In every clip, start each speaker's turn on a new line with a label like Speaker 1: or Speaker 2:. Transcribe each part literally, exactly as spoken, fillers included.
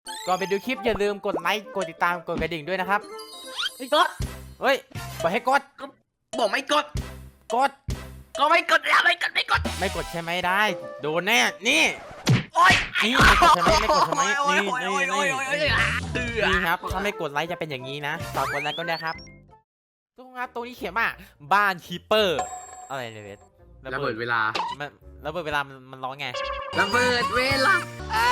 Speaker 1: ก่อนไปดูคลิปอย่าลืมกดไลค์กดติดตามกดกระดิ่งด้วยนะครับ
Speaker 2: ไม่กด
Speaker 1: เฮ้ยบอกให้กด
Speaker 2: บอกไม่กด
Speaker 1: กด
Speaker 2: ก็ไม่กดแล้วไม่กดไม่กด
Speaker 1: ไม่กดใช่ไหมได้โดนแน่นี่
Speaker 2: โอ๊ย
Speaker 1: นี่ไม่กดใช่ไหมไม่กดใช่ไหม
Speaker 2: โอ๊ย
Speaker 1: นี่
Speaker 2: โอ๊ย
Speaker 1: นี่
Speaker 2: โอ๊ย
Speaker 1: นี่
Speaker 2: โอ๊ยโอ๊ยโอ๊ยเตือ
Speaker 1: นี่ครับถ้าไม่กดไลค์จะเป็นอย่างนี้นะฝากกดไลค์ก็ได้ครับทุกคนครับตรงนี้เขียนว่าบ้านคีเปอร์อะไรเนี่ยเวท
Speaker 3: ระเบิดเวลา
Speaker 1: มันระเบิดเวลามันมันร้องไง
Speaker 3: ระเบิดเวลา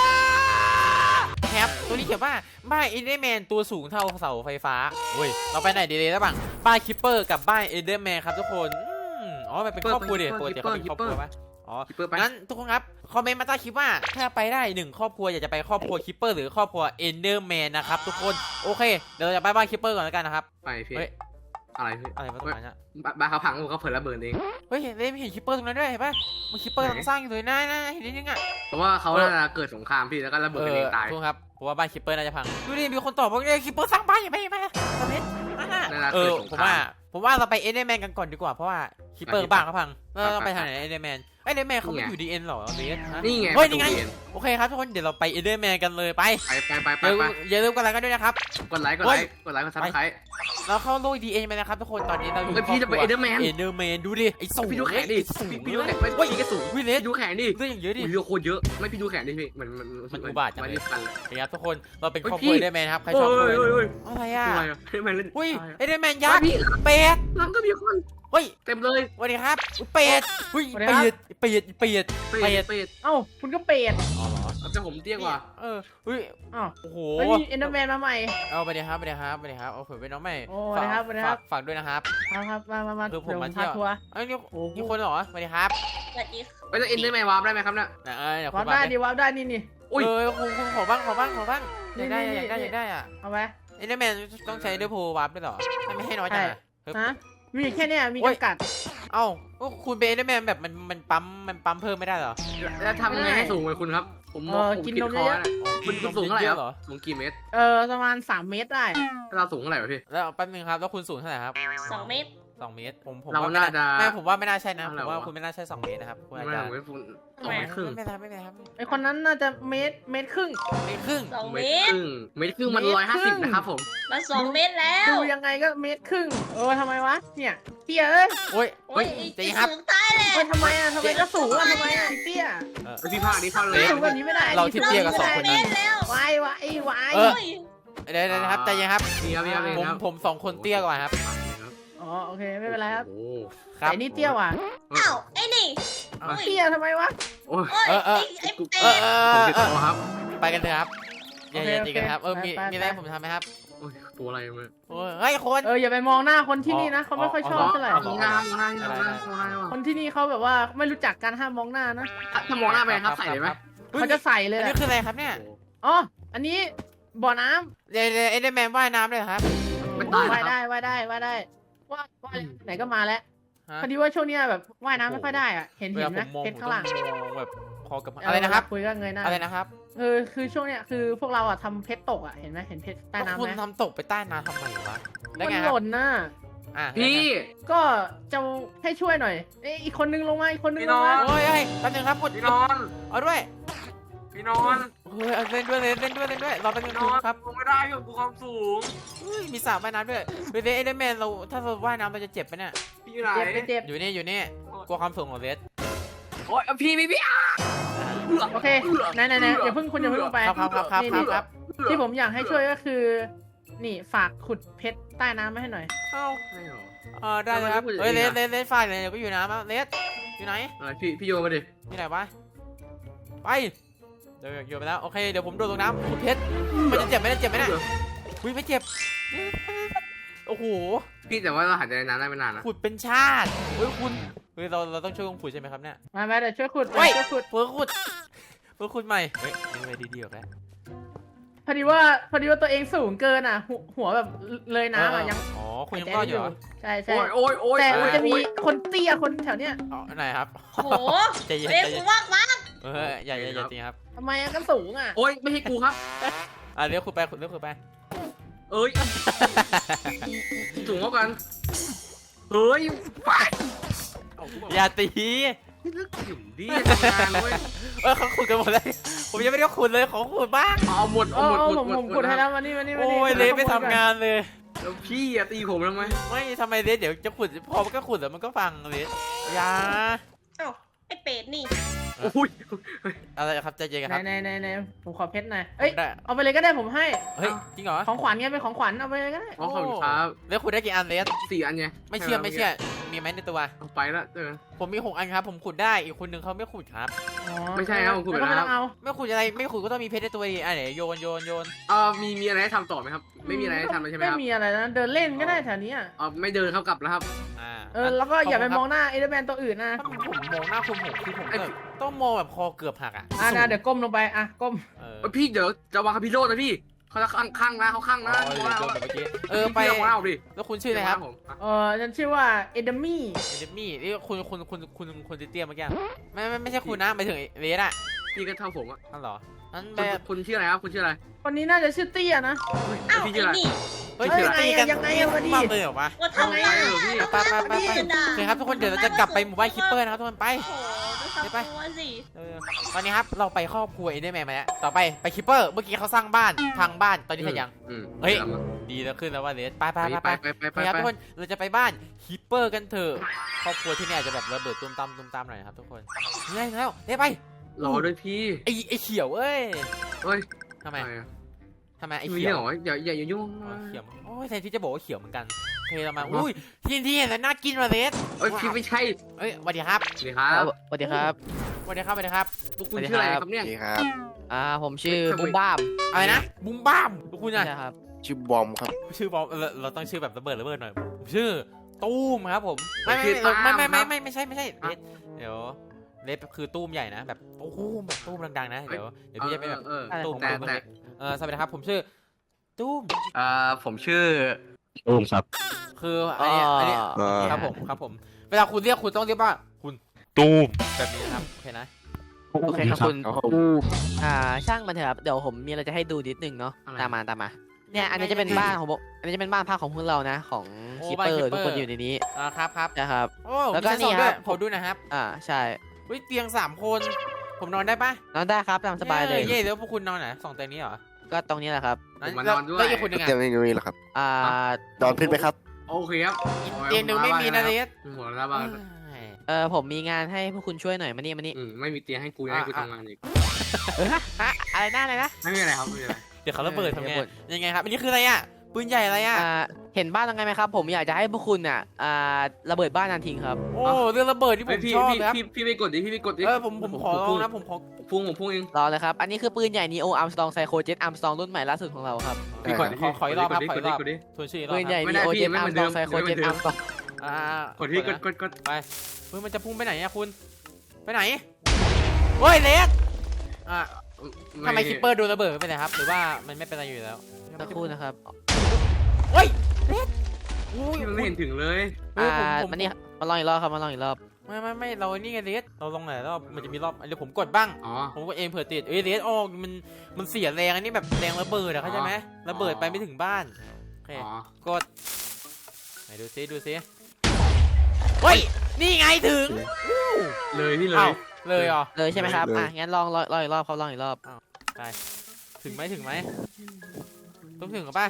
Speaker 1: ครับตัวนี้เขียนว่าบ้านเอเดอร์แมนตัวสูงเท่าเสาไฟฟ้าเฮ้ยเราไปไหนดีเลยระหว่างบ้านคิปเปอร์กับบ้านเอเดอร์แมนครับทุกคนอืมอ๋อมันเป็นครอบครัวเดียวปกติเขาเป็นครอบครัวปะอ๋อ
Speaker 3: คิปเปอร์ไป
Speaker 1: งั้นทุกคนครับคอมเมนต์มาใต้คลิปว่าถ้าไปได้หนึ่งครอบครัวอยากจะไปครอบครัวคิปเปอร์หรือครอบครัวเอเดอร์แมนนะครับทุกคนโอเคเดี๋ยวเราจะไปบ้านคิปเปอร์ก่อนแล้วกันนะครับ
Speaker 3: ไปพี่
Speaker 1: เฮ้ย
Speaker 3: อะไรพี่
Speaker 1: อะไรมาตรงนั้นอะ
Speaker 3: บ้าบ้าเขาพังเขาเผลอระเบิดเอง
Speaker 1: เฮ้ยเห็นเห็นคิปเปอร์ตรงนั้นด้วยเห็นปะมันคิปเปอร์กำลังสร้างอยู่เลยนะนะเห็นนิดนึงอะ
Speaker 3: เพราะว่าเขาน่าจะเกิดสงครามพี่แล้วก็ระเบิดกันเองตาย
Speaker 1: ทุกคนครับเพราะว่าบ้านคิปเปอร์น่าจะพังดูดิมีคนตอบว่าคิปเปอร์สร้างบ้านอย่างไรไหมตอนนี้
Speaker 3: น่าจะ
Speaker 1: เอ
Speaker 3: เกิ
Speaker 1: อ
Speaker 3: ดสง
Speaker 1: ผม
Speaker 3: ครา
Speaker 1: ว่าม ผมว่าเราไปเอเดอร์แมนกันก่อนดีกว่าเพราะว่าคิปเปอร์บ้านเขาพังเราต้องไปทางไหนเอเดอร์แมนเอเดอร์แมนเขาไม่อยู่ดีเอ็นหรอเบส
Speaker 3: นี่ไง
Speaker 1: เฮ้ยนี่ไงโอเคครับทุกคนเดี๋ยวเราไปเอเดอร์แมนกันเลยไป
Speaker 3: ไปไปไปไป
Speaker 1: อย่าลื
Speaker 3: ไป
Speaker 1: มอย่าลืมกดไลค์กันด้วยนะครับ
Speaker 3: กดไลค์กดไลค์กดไลค์กดซับสไครต์
Speaker 1: เราเข้าโลกดีเอ็นไปนะครับทุกคนตอนนี้เราอยู่
Speaker 3: เฮ้ยพี่จะไป Enderman
Speaker 1: เอเดอร์แมนดูดิไอ้สูง
Speaker 3: พี่ดูแขนดิ
Speaker 1: สูง
Speaker 3: พี่
Speaker 1: พี่
Speaker 3: ดู
Speaker 1: ดู
Speaker 3: แข
Speaker 1: แข
Speaker 3: น
Speaker 1: น
Speaker 3: ไม่พี่ก็สูง
Speaker 1: วิเลส
Speaker 3: พี่ดูแขนดิ
Speaker 1: เรื่องอย่างเยอะดิ
Speaker 3: อุ้ยเรือโคตรเยอะไม่พี่ดูแขนดิพี่มันมัน
Speaker 1: มันอุบาทจังเลย
Speaker 3: มันกันเลย
Speaker 1: โอเคครับทุกคนเราเป็น
Speaker 3: เฮ้ย
Speaker 1: ครอบครัว
Speaker 3: พี่
Speaker 1: เอเดอร์แมนครับใครช
Speaker 3: โอ้
Speaker 1: อบ
Speaker 3: ย
Speaker 1: ครัว
Speaker 3: โอ้ยโอ้ย
Speaker 1: อะไรอ่ะ
Speaker 3: อะไรอะเฮ้ยมันเล่น
Speaker 1: อุ้ย
Speaker 3: อะไรอะ
Speaker 1: เอเดอร์แมนยักษ์
Speaker 3: พี่
Speaker 1: เป็ด
Speaker 3: หลังก็มีคน
Speaker 1: เฮ้ย
Speaker 3: เต็มเลย
Speaker 1: สวัสดีครับอุ๊ยเป็ดอุ้ย
Speaker 2: สวัสดีครั
Speaker 1: เป็
Speaker 2: บ
Speaker 1: ดเป็ดเป็ด
Speaker 3: เป็
Speaker 1: เป็ด
Speaker 3: ดเป็ด
Speaker 2: เอ้าคุณก็เป็ด
Speaker 1: อ๋อเหรอ
Speaker 3: แต่ผมเตี้ยกว่า
Speaker 1: เอออุ้ย
Speaker 2: อ้าว
Speaker 1: โอ้โห
Speaker 2: เฮ้ยมีเอ็นเดอร์แมนมาใหม่
Speaker 1: เอาไปเลยครับไปเลยครับไปเลยครับเอาผมเป็นน้องใหม่
Speaker 2: โอ้สวัสดีครับสวัสดีครับ
Speaker 1: ฝากฝากด้วยนะครับ
Speaker 2: ครับครับมามามา
Speaker 1: คือผม
Speaker 2: เดี๋ยว
Speaker 1: มาเที่ยว
Speaker 2: พทัวร์
Speaker 1: เอ้ยนี่
Speaker 2: โอ้โห
Speaker 1: นี่คนเหรอสวัสดีครับ
Speaker 4: สวัสดีค่ะ
Speaker 3: ไปแล้วเอ็นได้ไหมวาร์ปได้ไหมครับเนี่ย
Speaker 1: นะเออเดี๋ยวคุ
Speaker 2: วา
Speaker 1: ณ
Speaker 2: ร์ปได้
Speaker 1: มา
Speaker 2: ดิวาร์ปได้นี่นี่
Speaker 3: อุ้ย
Speaker 1: เออคุณคุณขอบ้างขอบ้างขอบ้างอ
Speaker 2: นี่
Speaker 1: ยากได้
Speaker 2: นี่
Speaker 1: อยากได้
Speaker 2: นี่
Speaker 1: อยากได้อ่ะ
Speaker 2: เอาไป
Speaker 1: เอ็นเดอร์แมนต้องใช้เดอร์โพวาร์ปด้วยเหรอไม่ให้น้อยจังอะเฮ้ย
Speaker 2: ฮะมีแค่เนี้ยมี
Speaker 1: โอ้ย
Speaker 2: จำกัด
Speaker 1: เอ้าก็คุณเป็นเอ็นเดอร์แมนแบบมันมันปั๊มมันปั๊มเพิ่มไม่ได้เหรอ
Speaker 3: แล้วทำยังไงให้สูงเหมือนคุณครับ ผมมองผมคิดคอนะมันสูงเท่าไหร่ครับสูงกี่เมตร
Speaker 2: เออประมาณสามเมตรได้
Speaker 3: ถ้าเราสูงเท่าไหร่วะพี่
Speaker 1: แล้วแป๊บนึงครับแล้วคุณสูงเท่าไหร่ครับ
Speaker 4: สองเมตร
Speaker 1: สองเมตรผมผม
Speaker 3: เรา
Speaker 1: ว่าไม่
Speaker 3: น่าจะ
Speaker 1: ไม่ผมว่าไม่น่าใช่นะผ
Speaker 3: อะไร
Speaker 1: มว่า
Speaker 3: ะ
Speaker 1: คุณไม่น่าใช่สองเมตรนะครับคุณอาจ
Speaker 3: ไม่
Speaker 1: จะ
Speaker 3: ผมไม่ฝุ่นส
Speaker 4: ทำ
Speaker 3: อง
Speaker 4: ไม
Speaker 3: เมตรครึ่ง
Speaker 1: ไม่เป็นไรไม่เป็นไรครับ
Speaker 2: ไอคนนั้นน่าจะเมตรเมตรครึ่ง
Speaker 1: เมตรครึ่ง
Speaker 4: สอง
Speaker 3: เม
Speaker 4: เม
Speaker 3: ตร
Speaker 4: ต
Speaker 3: ค
Speaker 4: ร
Speaker 3: รึ่งเมตรครึ่งมัน
Speaker 2: เมตร
Speaker 3: ร้อยห้า
Speaker 2: ครึ่
Speaker 3: สิบ
Speaker 2: ง
Speaker 3: นะครับผม
Speaker 4: มาสองเมตรแล้ว
Speaker 2: ดูยังไงก็เมตรครึ่งเออทำไมวะเนี่ยเตี้ยเอ้ย
Speaker 1: โอ้ย
Speaker 4: โอ้ย
Speaker 1: เจ๊
Speaker 4: ไอ้
Speaker 1: ครับ
Speaker 4: สูงตายเลย
Speaker 2: เอ้ยทำไมอ่ะทำไมก็สูงอ่ะทำไมอ่ะไอ้เตี้ย
Speaker 1: เออ
Speaker 3: ไอพี่ภาคนี้เข้าเลย
Speaker 2: สูงแบบนี้ไม่ได้
Speaker 1: เราที่เตี้ยกับสองคนนั้น
Speaker 4: เมตรแล้ว
Speaker 2: วายวายวาย
Speaker 1: เออ
Speaker 4: โอ้ย
Speaker 1: เดี๋ยวเดี๋ยวนะครับใจเย็นครับ
Speaker 3: นี่ครับพี่ครับ
Speaker 1: ผม
Speaker 3: ครับ
Speaker 1: ผมสองคนเตี้ยกว่าครับ
Speaker 2: อ๋อโอเคไม่เป็นไรครับ
Speaker 3: โอ้
Speaker 1: ครับ
Speaker 2: แต่นี่เตี้ยว่ะ
Speaker 4: อ้าวไอ้นี่
Speaker 1: เอา
Speaker 4: อุ้ย
Speaker 2: เตี้ยทำไมวะ
Speaker 3: โอ้ย
Speaker 4: โอ้ย
Speaker 1: เออเออ
Speaker 4: ไอ้ไอ้
Speaker 1: เอ
Speaker 4: เป็
Speaker 1: อ
Speaker 4: ด
Speaker 1: เอ
Speaker 3: ผม
Speaker 1: อ
Speaker 3: ติด
Speaker 1: เออ
Speaker 3: ตัวครับ
Speaker 1: ไปกันเถอะครับอย่าอย่า
Speaker 2: โอเค
Speaker 1: ตีกันครับเออมี
Speaker 2: ไปไป
Speaker 1: มีอะไร
Speaker 2: ไป
Speaker 1: ผมทำไหมครับ
Speaker 3: โอ้ยตัวอะไรมา
Speaker 1: โอ้ยเฮ้ยคน
Speaker 2: เอออย่าไปมองหน้าคนที่นี่นะเขาไม่ค่อยชอบเท่าไหร่
Speaker 3: มองหน้ามองหน้ามองหน้ามองหน้า
Speaker 2: คนที่นี่เขาแบบว่าไม่รู้จักการห้ามมองหน้านะ
Speaker 3: ถ้ามองหน้าไปครับใส่เลยไหม
Speaker 2: เขาจะใส่เลย
Speaker 1: อัน
Speaker 2: แห
Speaker 1: นี้
Speaker 2: ละ
Speaker 1: คืออะไรครับเนี่ย
Speaker 2: อ๋ออันนี้บ่อน้ำ
Speaker 1: เดี๋ยวเดี๋ยวเอ็นเดอร์แมนว่ายน้ำเลยเหรอครับ
Speaker 3: ไม่ตาย
Speaker 2: ว่าย
Speaker 3: ค
Speaker 2: ได้
Speaker 3: รับ
Speaker 2: ว่ายได้ว่ายได้ว่าว่ายไหนก็มาแล้ว
Speaker 1: ฮะ
Speaker 2: พอดีว่าช่วงเนี้ยแบบว่ายน้ำไม่ค่อยได้อ่ะเห็น
Speaker 1: เว
Speaker 2: เห็
Speaker 1: ลาน ผ
Speaker 2: ไหม
Speaker 1: มมอง
Speaker 2: เพ
Speaker 1: ผ
Speaker 2: ช
Speaker 1: ม
Speaker 2: รข้างหลัง
Speaker 1: ต้องมองแบบคอกับอะไรนะครับ
Speaker 2: คุยก็เงยหน้า
Speaker 1: อะไรนะครับ
Speaker 2: เออคือช่วงเนี้ยคือพวกเราอ่ะทำเพชรตกอ่ะเห็นไหมเห็นเพชรใต้น้ำ
Speaker 1: คุณ
Speaker 2: ไหม
Speaker 1: ทำตกไปใต้น้ำทำไมวะได้
Speaker 2: มัน
Speaker 1: ไง
Speaker 2: ห
Speaker 1: ครับ
Speaker 2: ล่นน่ะ
Speaker 1: อ่ะ
Speaker 3: พี่
Speaker 2: ก็จะให้ช่วยหน่อยเอ้ยอีกคนนึงลงมาอีกคนนึง
Speaker 3: พี่
Speaker 2: ล
Speaker 3: น้
Speaker 2: ง
Speaker 3: อง
Speaker 2: มา
Speaker 1: โอ้ยเฮ้ยแป๊บนึงครับกด
Speaker 3: พี่นอน
Speaker 1: เอาด้วย
Speaker 3: พี่นอน
Speaker 1: เฮ้ยเอาเล่นด้วยเล่นเล่นด้วยเล่นด้วยรอแป๊บนึ
Speaker 3: พี่
Speaker 1: ง
Speaker 3: นอน
Speaker 1: ครับ
Speaker 3: ลงไม่ได้พี่ผมความสูง
Speaker 1: เฮ้ยมีสระว่ายน้ำด้วยเวทเอ็นเดอร์แมนเราถ้าเราว่ายน้ำเราจะเจ็บไหมเนี่ย
Speaker 3: พี่อยู่ไหน
Speaker 2: เจ็บไม่เจ็บ
Speaker 1: อยู่นี่อยู่นี่กลัวความสูงของเวท
Speaker 3: โอ้ยพี่พี่พี่
Speaker 2: โอเคไหนไหนไหนอย่าเพิ่งคุณอย่าเพิ่งลงไป
Speaker 1: ครับครับครับครับ
Speaker 2: นี่
Speaker 1: ครั
Speaker 2: นี่
Speaker 1: บครับ
Speaker 2: ที่ผมอยากให้ช่วยก็คือ นี่ฝากขุดเพชรใต้น้ำมาให้หน่อย
Speaker 1: เอ้า
Speaker 3: ไม่หรอ
Speaker 1: เออได้เลยครับ
Speaker 3: ทำไมไม่พูด
Speaker 1: เฮ้ย
Speaker 3: อ
Speaker 1: เล
Speaker 3: ย่าง
Speaker 1: ส
Speaker 3: นี้
Speaker 1: เล
Speaker 3: อะ
Speaker 1: สเลสฝ่ายเลยเดี๋ยวก็อยู่น้ำแล้วเลสอยู่ไหน
Speaker 3: อะไรพี่พี่โยนมาดิ
Speaker 1: ที่ไหนวะไปเดี๋ยวโยนไปแล้วโอเคเดี๋ยวผมโดดลงน้ำขุดเพชรมันจะเจ็บไหมเนี่ยเจ็บไหมเนี่ยอุ้ยไม่เจ็บโอ้โห
Speaker 3: พี่แต่ว่าเราหายใจในน้ำได้ไม่นานนะ
Speaker 1: ขุดเป็นชาติเฮ้ยคุณเฮ้ยเราเราต้องช่วยกันขุดใช่ไหมครับเนี่ย
Speaker 2: มามาเดี๋ยวช่วยขุด
Speaker 1: เฮ้ย
Speaker 2: ช่วยขุด
Speaker 1: เพื่อขุดเพื่อขุดใหม่เฮ้ยนี่ไปดีๆออกแล้ว
Speaker 2: พอดีว่าพอดีว่าตัวเองสูงเกินอ่ะ หัวหัวแบบเลยน้ำอ่ะยัง
Speaker 1: อ๋อคุณยังรอดอยู่เหรอ
Speaker 2: ใช่ใช่
Speaker 3: โอ้ยโอ้ยโอ้ย
Speaker 2: แต่
Speaker 3: โอ้
Speaker 2: มัน
Speaker 3: ย
Speaker 2: จะมีคนเตี้ยคนแถวเนี้ย
Speaker 1: อ๋อไหนครับ
Speaker 4: โอ้โห
Speaker 1: ใจเย็น
Speaker 4: เรียก
Speaker 1: ใจเย็
Speaker 4: กู
Speaker 1: น
Speaker 4: มากมาก
Speaker 1: เอออย่าอย่าอย่าจริงครับ
Speaker 2: ทำไมอะก็สูงอ่ะ
Speaker 3: โอ้ยไม่ใช่กูครับ
Speaker 1: อ่ะเรียกขุดไปขุดเรียกขุดไป
Speaker 3: เอ้ยสูงเท่ากันเฮ้ยไปเอากูบอก
Speaker 1: อย่าตี
Speaker 3: นี่เลิกหิวดิทำงานเว้ย
Speaker 1: เออเขาขุดกันหมดเลยผมยังไม่ได้ขุดเลยขอขุดบ้าง
Speaker 3: เอาหมด
Speaker 2: เอ
Speaker 3: เอา
Speaker 2: อ
Speaker 3: หมด
Speaker 2: เออ
Speaker 3: หมด
Speaker 2: ผม
Speaker 3: หมด
Speaker 2: ผมกดให้แล้วมานี่มานี่มา
Speaker 1: โอ้
Speaker 2: นี่
Speaker 1: ยเลสไม่ทำงานเลย
Speaker 3: แล้วพี่อะตีผมทำไม
Speaker 1: ไม่ทำไมเลสเดี๋ยวจะขุดพอมันก็ขุดแล้วมันก็ฟังเลสอย่า
Speaker 4: เอ้าไอ้เป็ดนี่
Speaker 3: โอ้ย
Speaker 1: อะไรครับใจเย็นกัน
Speaker 2: ไห
Speaker 1: คน รับ
Speaker 2: ไหนไหนไหนผมขอเพชรหน่อยเอ้ย
Speaker 1: ได้
Speaker 2: เอาไปเลยก็ได้ผมให้
Speaker 1: เฮ้ยจริงเหรอ
Speaker 2: ของขวัญไงเป็นของขวัญเอาไปเลยก็ได้
Speaker 3: อ๋อขอบคุณครับ
Speaker 1: แล้วขุดได้กี่อันเลส
Speaker 3: สี่อันไง
Speaker 1: ไม่เชื่อไม่เชื่อมีไหมในตัว
Speaker 3: เอาไปละเจอ
Speaker 1: ผมมีหกอันครับผมขุดได้อีกคนนึงเขาไม่ขุดครับ
Speaker 2: อ๋อ
Speaker 3: ไม่ใช่ครับผมขุดไป
Speaker 2: แล้วก็
Speaker 3: แล้
Speaker 2: ไม่
Speaker 3: ว
Speaker 2: ต้องเอา
Speaker 1: ไม่ขุดอะไรไม่ขุดก็ต้องมีเพชรในตัวดิอ่ะไหนโยนโยนโยน
Speaker 3: เออมีมีอะไรให้ทำต่อไหมครับ ไม่มีอะไรให้ทำเลยใช่ไหมครับ
Speaker 2: ไม่มีอะไรนะเดินเล่นก็ได้แถวนี้อ่ะ
Speaker 3: เออไม่เดินเข้ากลับแล้วครับ
Speaker 1: อ่า
Speaker 2: เออแล้วก็อย่าไปมองหน้าเอเดอร์แมนตัวอื่นนะ
Speaker 1: ถ้าผมมองหน้าคุณผมคือผมแบบต้องมองแบบคอเกือบหักอ่ะ
Speaker 2: อ่ะนะเดี๋ยวก้มลงไปอ่ะก้ม
Speaker 1: เออ
Speaker 3: เอ้ยพี่เดี๋ยวจะวางคาพิโรดนะพี่เขาจะข้างข้างนะเขาข้าง
Speaker 1: อ๋
Speaker 3: นะ
Speaker 1: อเดี๋ยวโดนแบบเมื่อกี้เออไป
Speaker 3: พี่ลองเล่าดิ
Speaker 1: แล้วคุณชื่ออะไรครับ
Speaker 3: ผม
Speaker 2: เออฉันชื่อว่าเอเดมี่
Speaker 1: เอเดมี่นี่คุณคุณคุณคุณคุณเตี้ยเมื่อกี้ไม่ไม่ไม่ใช่คุณนะหมายถึงเลสอ่ะ
Speaker 3: พี่ก็เท่าผมอ่ะ
Speaker 1: นั่นเหรอนั่น
Speaker 3: คุ
Speaker 1: แบ
Speaker 3: ณ
Speaker 1: บ
Speaker 3: คุณชื่ออะไรครับคุณชื่ออะไร
Speaker 2: คนนี้น่าจะชื่อเตี้ยนะ
Speaker 4: เอ้า
Speaker 3: พี่
Speaker 4: ไอ้
Speaker 3: ชื่ออะไร
Speaker 4: นี่
Speaker 1: เฮ้ย
Speaker 2: เฮ้ย
Speaker 1: ตีกัน
Speaker 2: ยังไงอะวะดิ
Speaker 1: มาเลยเหรอวะ
Speaker 4: ว่าทำไม
Speaker 3: เอาไง
Speaker 4: อ่ะ
Speaker 3: เหรอพี่
Speaker 1: ไปไปไปไป
Speaker 4: จะด่า
Speaker 1: โอเคครับทุกคนเดี๋ยวเราจะกลับไปหมู่บ้านคิปเปอร์นะครับทุกคนไป
Speaker 4: โอ้โหดูทำตัวสิ
Speaker 1: เออตอนนี้ครับเราไปครอบครัวเอเดอร์แมนมาแล้วต่อไปไปคิปเปอร์เมื่อกี้เขาสร้างบ้านพังบ้านตอนนี้เสร็จยัง
Speaker 3: อืม
Speaker 1: เฮ้ย ดีแล้วขึ้นแล้วว่าเลสไปไป
Speaker 3: ไป
Speaker 1: ไป
Speaker 3: ไป
Speaker 1: ไป
Speaker 3: ไปไป
Speaker 1: ไปครับ
Speaker 3: ไป
Speaker 1: ทุกคนเราจะไปบ้านคิปเปอร์กันเถอะครอบครัวที่นี่อาจจะแบบระเบิดตุ้มตามตุ้มตามหน่อยนะครับทุกคนเฮ้ยแล้วเลสไป
Speaker 3: รอด้วยพี่
Speaker 1: ไอไอเขียวเอ้ย
Speaker 3: เฮ้ย
Speaker 1: ทำไม
Speaker 3: อะรอะ
Speaker 1: ทำไมไอ
Speaker 3: มี
Speaker 1: เขียว
Speaker 3: เหรออย่าอย่าอย่ายุ่ง
Speaker 1: อ๋อเขียวโอ้ยแทนที่จะบอกว่าเขียวเหมือนกันโอเคเรามาอุ้ยที่ที่เห็นแล้วน่ากินว่ะเลส
Speaker 3: เอ้ยพี่ไม่ใช่
Speaker 1: เอ้ยสวัสดีครับ
Speaker 3: สวัสดีครับ
Speaker 5: สวัสดีครับ
Speaker 1: สวัสดีครับสวัสดีครับ
Speaker 3: พวกคุณชื่ออะไรครับเนี่ย
Speaker 6: นี่ครับ
Speaker 5: อ่า ผมชื่อ
Speaker 3: เฮ้ย
Speaker 5: บุ้มบ้าม
Speaker 1: อะไรนะบุ้มบ้ามพวกคุณอะ
Speaker 5: ใช่ครับ
Speaker 6: ชื่อบอมครับ
Speaker 1: ชื่อบอมเราเราต้องชื่อแบบระเบิดระเบิดหน่อยผมชื่อตู้มครับผมไม่ไม่ไม่ไม่ไม่ไม่ไม่ใช่ไม่ใช่เลสเดี๋ยวเลสคือตู้มใหญ่นะแบบตู้มแบบตู้มดังๆนะเดี๋ยวเดี๋ยวพี่จะไปแบบ
Speaker 3: เออ
Speaker 5: อะไร
Speaker 1: ตู้ม
Speaker 5: ของ
Speaker 3: แต่
Speaker 1: ตู้ม
Speaker 3: แต่
Speaker 1: เล็กเออสวัสดีครับผมชื่อตู้ม
Speaker 3: เอ่อผมชื่อ
Speaker 6: โอ้ครับ
Speaker 1: คืออันนี้อันนี้
Speaker 6: อ่า
Speaker 1: ครับผมครับผมเวลาคุณเรียกคุณต้องเรียกว่าคุณตูมแบบนี้นะครับโอเคนะ
Speaker 5: โอเคครับคุณ
Speaker 6: ครับผม
Speaker 5: บูมอ่า ช่างมันเถอะครับ เดี๋ยวผมมีอะไรจะให้ดูนิดนึงเนาะ
Speaker 3: อะไร
Speaker 5: ตามมาตามมา เนี่ย อันนี้จะเป็นบ้านของผมอันนี้จะเป็นบ้านพักของพวกเรานะ ของคีเปอร์ทุกคนอยู่ในนี้
Speaker 1: อ่าครับครับ
Speaker 5: นะครับ
Speaker 1: โอ้
Speaker 5: แล้วก็
Speaker 1: มีชั้สอง
Speaker 5: นี่
Speaker 1: ด้วย
Speaker 5: ครับ
Speaker 1: ขอดูหนะครับ
Speaker 5: อ่า ใช่
Speaker 1: เฮ้ยเตียงสามคน ผมนอนได้ปะ
Speaker 5: นอนได้ครับตามสบายเลย
Speaker 1: เย่แล้วพวกคุณนอนไหนสองเตียงนี้เหรอ
Speaker 5: ก็ตรงนี้แหละครับ
Speaker 3: ผมมานอนด้วย
Speaker 1: แล้วอีกคนหนึ่ง
Speaker 6: เตรีย
Speaker 1: อ่ะ
Speaker 6: มเมนูนี้เหรอครับ
Speaker 5: อ่า
Speaker 6: นอนพื้นไหมครับ
Speaker 3: โอเคครับ
Speaker 1: เตียงหนึ่งไม่มีนะเลส
Speaker 3: หัวละบ้าน
Speaker 5: เออผมมีงานให้พวกคุณช่วยหน่อยมานี่มานี่
Speaker 3: อืมไม่มีเตียงให้กูให้กูทำงานอีก
Speaker 5: เออฮะฮะอะไรนะอะไรนะ
Speaker 3: ไม่มีอะไรครับไม่มีอะไร
Speaker 1: เดี๋ยวเขาระเบิดทำไง
Speaker 5: ระเบิด
Speaker 1: ยังไงครับอันนี้คืออะไรอ่ะปืนใหญ่อะไรอ่ะ
Speaker 5: อ่า เห็นบ้านตรงไงไหมครับ ผมอยากจะให้พวกคุณอ่ะ อ่า ระเบิดบ้านนันทิ้งครับ
Speaker 1: โอ้เรื่องระเบิดที่ผ
Speaker 3: เฮ้ย
Speaker 1: ม
Speaker 3: พี่
Speaker 1: ชอบ
Speaker 3: พี่
Speaker 1: เลยครับ
Speaker 3: พี่พี่ไปกดดิพี่ไปกดดิ
Speaker 1: เออผมผมขอลองนะผมขอ
Speaker 3: พุ่งผมพุ่งเอง
Speaker 5: รอเลยครับ อันนี้คือปืนใหญ่นีโออาร์มสตองไซโคเจ็ตอาร์มสตองรุ่นใหม่ล่าสุดของเราครับ
Speaker 3: พี่กดดิ
Speaker 1: ขอขออีกรอบครับขอ
Speaker 3: ก
Speaker 1: อี
Speaker 3: ด
Speaker 1: กร
Speaker 3: ดิ
Speaker 1: อบ
Speaker 3: กดดิ
Speaker 1: ทวนชื่ออีกรอบ
Speaker 5: ปืนใหญ่
Speaker 1: ครับ
Speaker 3: ไม่
Speaker 5: นี
Speaker 3: ได้
Speaker 5: โอ
Speaker 3: พี่
Speaker 5: เจ็ต
Speaker 3: ไม่
Speaker 5: อา
Speaker 3: เห
Speaker 5: ร์
Speaker 3: มื
Speaker 5: ม
Speaker 3: อน
Speaker 5: ส
Speaker 3: เดิ
Speaker 5: ตอง
Speaker 3: ม
Speaker 5: ไซโคเจ็ต
Speaker 3: ไม่เหมื
Speaker 5: อา
Speaker 3: อน
Speaker 5: ร์ม
Speaker 3: เดิ
Speaker 5: ส
Speaker 3: ม
Speaker 5: ตอง
Speaker 1: อ่าก
Speaker 3: ดที่กดกดกด
Speaker 1: ไปเฮ้ยมันจะพุ่งไปไหนอะคุณ ไปไหนเฮ้ยเล็กอ่ะทำไมคิปเปอร์โดนระเบิดไม่เป็นไรครับหรือว่ามันไม่เป็นอะไรอยู่แล้ว
Speaker 5: สักครู่นะครับ
Speaker 1: เฮ้ยเล็กอุ้ย
Speaker 3: พี่มันไม่เห็นถึงเลย
Speaker 1: เฮ้
Speaker 5: อ่าย
Speaker 1: ผมผม
Speaker 5: มานี่มาลองอีกรอบครับ มาลองอีกรอบ
Speaker 1: ไม่ไม่ไม่เรานี่ไงเล็กเราลงไหนรอบมันจะมีรอบเดี๋ยวผมกดบ้าง
Speaker 3: อ๋อ
Speaker 1: ผมก็เองเผื่อติดเอ้ยเล็กออกมันมันเสียแรงอันนี้แบบแรงระเบิดอะเข้าใจไหมระเบิดไปไม่ถึงบ้านโอเค
Speaker 3: อ๋อก
Speaker 1: ดไหนดูซิดูซิเฮ้ยนี่ไงถึง
Speaker 3: เลยพี่เล
Speaker 1: เอ้าย เลยเหรอ
Speaker 5: เลยใช่ไหมครับ
Speaker 6: เลย
Speaker 5: อ่ะ งั้นลองลองลองอีกรอบครับลองอีกรอบ
Speaker 1: ถึงไหมถึงไหมต้องถึงกับป่ะ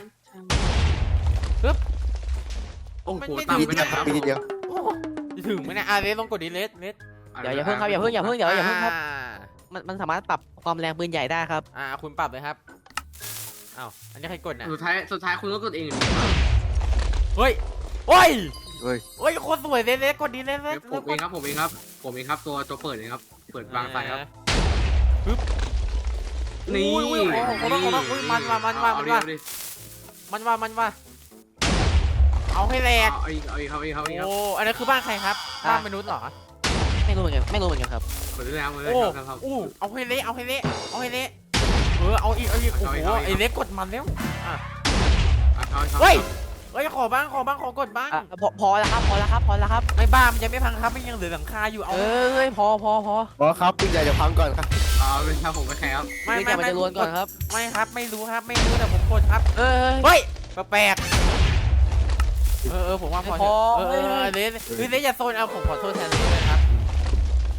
Speaker 3: โอ้โห
Speaker 1: ไม่ไม่
Speaker 3: ตาม
Speaker 6: มี
Speaker 3: ไม่
Speaker 6: นิด
Speaker 3: ได้ครับ
Speaker 6: มีนิดเดียว
Speaker 1: จะถึงไหมเนี่ยอ่ะเลสลองกดดิเลสเลส
Speaker 5: เดี๋ยวอย่าเพิ่งครับอย่าเพิ่งอย่าเพิ่งเดี๋ยวอย่าเพิ่งครับ
Speaker 1: อ่า
Speaker 5: มันมันสามารถปรับความแรงปืนใหญ่ได้ครับ
Speaker 1: อ่าคุณปรับเลยครับอ้าวอันนี้ใครกดน่ะ
Speaker 3: สุดท้ายสุดท้ายคุณก็กดเอง
Speaker 1: เฮ้ยโอ้ย
Speaker 6: เฮ้ย
Speaker 1: เฮ้ยโคตรสวยเลสเลสกดดิเลสเลส
Speaker 3: ผมเองครับผมเองครับผมเองครับตัวตัวเปิดเองครับเปิดวางไฟครับ
Speaker 1: ปึ๊บ
Speaker 3: นี่
Speaker 1: อุ้ยอุ้ยโอ้โหขอโทษขอโทษอุ้ยมันว่ะมันว่ะ
Speaker 3: เอา
Speaker 1: มัน
Speaker 3: ดิ
Speaker 1: ว่ะ
Speaker 3: เอาดิ
Speaker 1: มันว่ะมันว่ะเอาให้แหลก
Speaker 3: เอาอีกเอาอีกครับเอาอีกครับเอาอีกครับ
Speaker 1: โอ้อันนั้นคือบ้านใครครับบ้านมนุษย์เหรอ
Speaker 5: ไม่รู้เหมือนกันไม่รู้เหมือนกันครับ
Speaker 3: กดได้แล้วเลย
Speaker 1: โอ้
Speaker 3: ครับครับ
Speaker 1: อู้เอาให้เละเอาให้เละเอาให้เละเออเอาอีกเอาอีกโอ้
Speaker 3: เอาอีก
Speaker 1: โห
Speaker 3: เอาอีก
Speaker 1: ไอ้เล็กกดมันแล้วอ่ะ
Speaker 3: เอาเอาเอา
Speaker 1: เฮ้ยเฮ้ยขอบ้างขอบ้างขอกดบ้าง
Speaker 5: อ่ะพอพอแล้วครับ พอแล้วครับ พอแล้วครับ
Speaker 1: ไม่บ้ามันยังไม่พังครับมันยังเหลือหลังคาอยู่เอา
Speaker 5: เอ้ย พอพอพอ
Speaker 6: อ๋อครับปืนใหญ่จะพังก่อนครับ
Speaker 3: เอาเป็นครับผมก็แค่ครับ
Speaker 1: ไม่
Speaker 5: ปืนให
Speaker 1: ไม่
Speaker 5: ญ่มัน
Speaker 1: ไม่
Speaker 5: จะล้วนก่อนครับ
Speaker 1: ไม่ครับไม่รู้ครับไม่รู้แต่ผมกดครับ
Speaker 5: เอ้ย
Speaker 1: เฮ้ยแปลกๆเออเออผมว่าพอ
Speaker 5: พอ
Speaker 1: เถอะเออเออเออเลสเฮ้ยเลสอย่าโซนเอาผมขอโทษแทนเลสด้วยครับ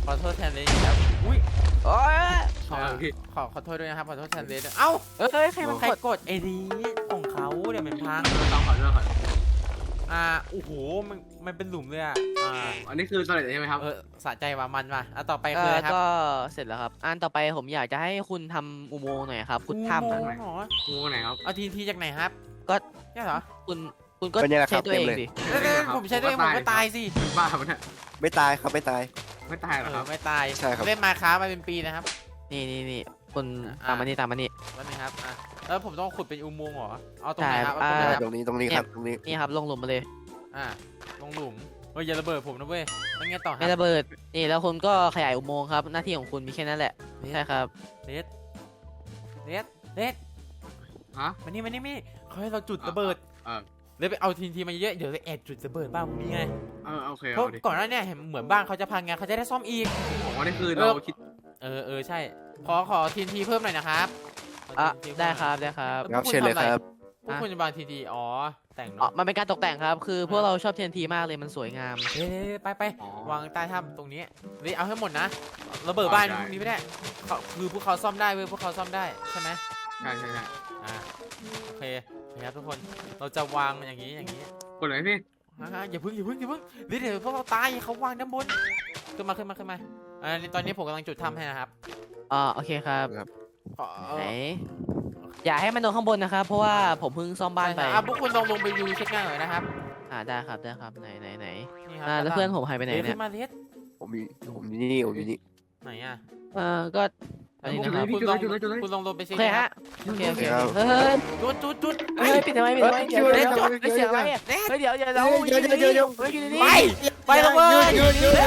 Speaker 1: ขอโทษแทนเลยครับอุ้ย
Speaker 5: โอ้ย
Speaker 1: ขอ
Speaker 3: ใช่พี่
Speaker 1: ขอขอโทษด้วยนะครับขอโทษแทนเลยด้วยเอ้า
Speaker 5: เอ้ยใครมัน
Speaker 1: ใคร
Speaker 5: กด
Speaker 1: กดไอ้นี้ของเขาเดี๋ยวมันพัง
Speaker 3: ต้องขอโทษขอโทษ
Speaker 1: อ่าโอ้โหมันมันเป็นหลุมเลยอ่ะอ่า
Speaker 3: อันนี้คือสำเร็จใช่ไหมครับ
Speaker 1: เออสะใจว่ามันว่ะอ่ะต่อไป
Speaker 5: เอ
Speaker 1: คือ
Speaker 5: อ
Speaker 1: อะไรครับ
Speaker 5: ก็เสร็จแล้วครับอันต่อไปผมอยากจะให้คุณทำอุโมงค์หน่อยครับคุณถ้ำ
Speaker 1: อุ
Speaker 5: อะ
Speaker 1: โมงค์เหรอ
Speaker 3: งูไหนครับ
Speaker 1: เอาทีนทีจากไหนครับ
Speaker 5: ก็
Speaker 1: เนี่ยเหรอ
Speaker 5: คุณคุณก็
Speaker 6: เป็นยังไงค
Speaker 5: ใช้
Speaker 6: รับ
Speaker 5: ตัวเอง
Speaker 6: เต็มเลย
Speaker 5: สิ
Speaker 1: เอ้ยเอ้ยผมใช้ด้วยผมก็ตายสิ
Speaker 3: เป็นบ้าปะเนี่ย
Speaker 6: ไม่ตายครับไม่ตาย
Speaker 3: ไม่ตายหร
Speaker 1: เอ
Speaker 3: อค
Speaker 1: อ
Speaker 3: รับ
Speaker 1: ไม่ตาย
Speaker 6: ใช่ครับ
Speaker 1: เล่นมาค้ามาเป็นปีนะครับ
Speaker 5: นี่นี่นี่คุณ
Speaker 1: อ่ะ
Speaker 5: ตามมานี่ตามมานี่
Speaker 1: แล้วนี่ครับอ่ะแล้วผมต้องขุดเป็นอุโมงค์เหรอเอาตรงไหน
Speaker 5: ใช่
Speaker 1: ครับเอาตรงไหน
Speaker 5: อ่า
Speaker 1: ครับ
Speaker 6: ตรงนี้ตรงนี้ครับตรงนี้
Speaker 5: นี่ครับลงหลุมมาเลย
Speaker 1: อ่ะลงหลุมเฮ้ยอย่าระเบิดผมนะเว้ยแล้วไงต่อค
Speaker 5: ไม่
Speaker 1: รับ
Speaker 5: ระเบิดนี่แล้วคุณก็ขยายอุโมงค์ครับหน้าที่ของคุณมีแค่นั้นแหละใช่ครับ
Speaker 1: เลสเลสเลส
Speaker 3: ฮะ
Speaker 1: มานี่มานี่มานี่เขาให้เราจุดระเบิด
Speaker 3: เออ
Speaker 1: เลยไปเอาทีนทีมาเยอะเดี๋ยวจะแอบจุดระเบิดบ้านผมนี่ไง
Speaker 3: เออโอเค
Speaker 1: เพราะ
Speaker 3: เอาดิ
Speaker 1: ก่อนหน้าเนี่ยเห็นเหมือนบ้านเขาจะพังไงเขาจะได้ซ่อมอีก
Speaker 3: ผมว่านี่คือ
Speaker 1: เอ
Speaker 3: เรา
Speaker 1: อ
Speaker 3: คิด
Speaker 1: เออเออใช่ ขอขอทีนทีเพิ่มหน่อยนะครับข
Speaker 5: อ่ะ
Speaker 1: ทีนที
Speaker 5: ได้
Speaker 1: เพิ่มหน่อย
Speaker 5: ครับได้ครับ
Speaker 6: ครับเชิญเลยครับ
Speaker 1: พวกคุณจะบางทีทีอ๋อแต่ง
Speaker 5: อ๋อ
Speaker 1: เนาะ
Speaker 5: มันเป็นการตกแต่งครับคือพวกเราชอบเทียนทีมากเลยมันสวยงาม
Speaker 1: เฮ้ยไปไป
Speaker 3: อ๋อ
Speaker 1: วางใต้ถ้ำตรงนี้เฮ้ยเอาให้หมดนะระเบิดบ้าน
Speaker 3: ได้
Speaker 1: พวกนี้ไม่ได้เขาคือพวกเขาซ่อมได้เว้ยพวกเขาซ่อมได้ใช่ไหม
Speaker 3: ใช่ใช่ใช่
Speaker 1: อ่าโอเคนะครับทุกคนเราจะวางอย่างนี้อย่างนี้
Speaker 3: กดเลยพี่
Speaker 1: อ่าอย่าพึ่งอย่าพึ่งอย่าพึ่งเดี๋ยวเดี๋ยวพวกเราตายเขาวางด้านบนขึ้นมาขึ้นมาขึ้นมาอ่านี่ตอนนี้ผมกำลังจุดถ้ำให้นะครับ
Speaker 5: อ่าโอเคครับ
Speaker 1: ขอ
Speaker 5: ไหนอย่าให้มันโดนข้างบนนะครับ เพราะว่าผมเพิ่งซ่อมบ้านไป
Speaker 1: ใช่ครับอ่ะพวกคุณลองลงไปดูเช็คหน้าหน่อยนะครับ
Speaker 5: อ่าได้ครับได้ครับไหนไหนไหน
Speaker 1: นี่ครั
Speaker 5: อ่าแล้วเพื่อนผมหายไปไหน
Speaker 1: เดี๋ยว
Speaker 5: เนี่
Speaker 1: ขึ้
Speaker 5: ย
Speaker 1: นมาเลส
Speaker 6: ผมมีผมมีนี่ผมมีนี่
Speaker 1: ไหนอ่ะ
Speaker 5: เออก็อันนี้นะครับ
Speaker 1: คุณลองคุณลองลงไป
Speaker 5: โอ
Speaker 1: เช็ค
Speaker 5: เค
Speaker 1: นะครั
Speaker 5: ฮะ
Speaker 1: บ
Speaker 5: โอเคโอเค
Speaker 6: ครับ
Speaker 5: เฮ้ย
Speaker 1: จุดจุดจุด
Speaker 5: เฮ้ยปิดทำไมปิดทำไมเดี๋ยวเดี๋ยวเดี๋ยวเฮ้ยเสียงอะไรอ่ะเฮ้ยเดี๋ยวเดี๋ยวเราอยู่ในนี้เฮ้ยอยู่ในนี้
Speaker 1: ไปไปแล้วเว้ย
Speaker 6: หยุดหยุดหยุด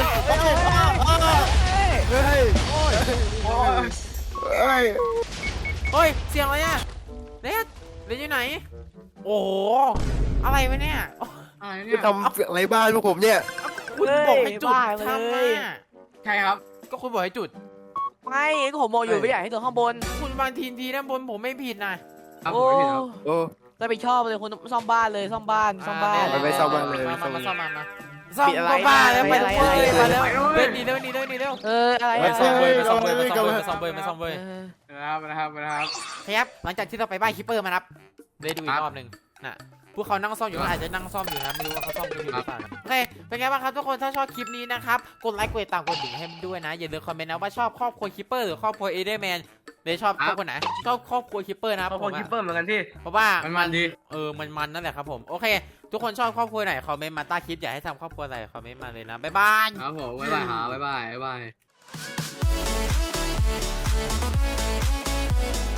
Speaker 6: เฮ้ยเฮ้ยเฮ้ย
Speaker 1: เฮ้ยเสียงอะไรอ่ะเลสเลสอยู่ไหนโอ้โหอะไรวะเนี่ย
Speaker 3: อะไรเนี่
Speaker 6: จะ
Speaker 3: ย
Speaker 6: ทำอะไรบ้านพวกผมเนี่ย
Speaker 1: คุณบอกให้จุดทำอ่ะ
Speaker 3: ใช่ครับ
Speaker 1: ก็คุณบอกให้จุด
Speaker 5: ไม่ก็ผมมองอยู่ไม่อยากให้ตัวข้างบน
Speaker 1: คุณบางทีทีด้านบนผมไม่ผิดนะครับ
Speaker 5: โอ้
Speaker 3: ผมไม่ผิดครับ
Speaker 6: โอ้
Speaker 5: ก็ไปชอบเลยคุณซ่อมบ้านเลยซ่อมบ้านซ่อมบ้าน
Speaker 6: ไปไปซ่อมบ้านเลย
Speaker 1: มา
Speaker 6: ซ่
Speaker 1: มา
Speaker 6: อม
Speaker 1: มาซ่อมมามาซ่อม
Speaker 5: ปิดอะไร
Speaker 1: บ้านแล้ว
Speaker 5: ปิ
Speaker 1: ไป
Speaker 5: ดอะไร
Speaker 1: เลยมาแล้ว
Speaker 3: ไปเลย
Speaker 1: เดินหนีเร็วหนีเร็วหนีเร็ว
Speaker 5: เอออะไร
Speaker 1: มา
Speaker 5: อ่ะ
Speaker 1: ซ่อมเบยมาซ่อมเบยมาซ่อมเบยมาซ่อมเบยมาซ่อมเบย
Speaker 5: เออ
Speaker 3: นะครับนะครับนะครับ
Speaker 1: ครับหลังจากที่เราไปบ้านคิปเปอร์มานับเลยดูอีกรอบหนึ่งน่ะพวกเขานั่งซ่อมอยู่ก็อาจจะนั่งซ่อมอยู่นะไม่รู้ว่าเขาซ่อมกันอยู่หรือเปล่านะโอเคเป็นไงบ้างครับทุกคนถ้าชอบคลิปนี้นะครับกดไลค์กดติดตามกดดิ่งให้มันด้วยนะอย่าลืมคอมเมนต์นะว่าชอบครอบครัวคิปเปอร์หรือครอบครัวเอเดอร์แมนเลยชอบครอบครัวไหนชอบครอบครัวคิปเปอร์นะครับ
Speaker 3: เขา
Speaker 1: ผ
Speaker 3: พอ
Speaker 1: ม
Speaker 3: คิป
Speaker 1: อะ
Speaker 3: เปอร์เหมือนกันที่
Speaker 1: เพราะว่า
Speaker 3: มันมันดี
Speaker 1: เออมันมันนั่นแหละครับผมโอเค ทุกคนชอบครอบครัวไหนคอมเมนต์มาใต้คลิปอยากให้ทำครอบครัวอะไรคอมเมนต์มาเลยนะบ๊ายบาย
Speaker 3: ครับผมบ๊ายบายหาบ๊ายบายบ๊ายบาย